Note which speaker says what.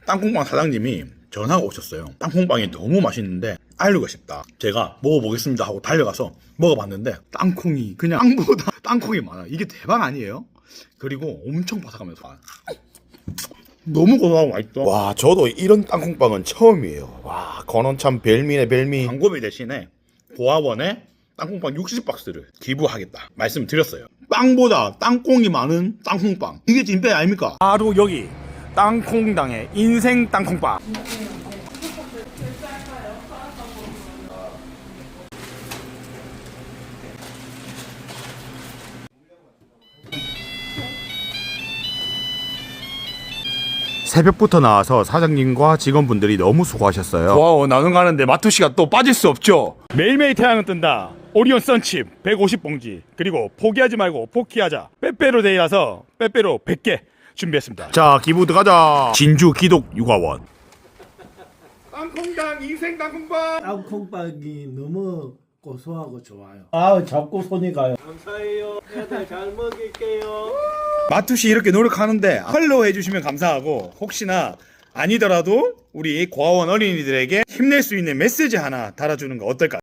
Speaker 1: 땅콩빵 사장님이 전화가 오셨어요. 땅콩빵이 너무 맛있는데 알리고 싶다. 제가 먹어보겠습니다 하고 달려가서 먹어봤는데 땅콩이 그냥 빵보다 땅콩이 많아. 이게 대박 아니에요? 그리고 엄청 바삭하면서 너무 고소하고 맛있어.
Speaker 2: 와, 저도 이런 땅콩빵은 처음이에요. 와, 건원 참 별미네, 별미.
Speaker 1: 광고비 대신에 고아원에 땅콩빵 60박스를 기부하겠다 말씀드렸어요. 빵보다 땅콩이 많은 땅콩빵, 이게 찐빼 아닙니까?
Speaker 3: 바로 여기 땅콩당의 인생 땅콩빵.
Speaker 2: 새벽부터 나와서 사장님과 직원분들이 너무 수고하셨어요.
Speaker 3: 와우, 나눔 가는데 마투시가 또 빠질 수 없죠. 매일매일 태양은 뜬다. 오리온 썬칩 150봉지, 그리고 포기하지 말고 포기하자 빼빼로 데이라서 빼빼로 100개 준비했습니다.
Speaker 2: 자, 기부 들어가자. 진주 기독 육아원.
Speaker 3: 땅콩당 인생 땅콩빵.
Speaker 4: 땅콩빵이 너무 고소하고 좋아요. 아, 자꾸 손이 가요.
Speaker 5: 감사해요. 애들 잘 먹일게요.
Speaker 1: 마투시 이렇게 노력하는데 팔로우 해주시면 감사하고, 혹시나 아니더라도 우리 고아원 어린이들에게 힘낼 수 있는 메시지 하나 달아주는 거 어떨까요?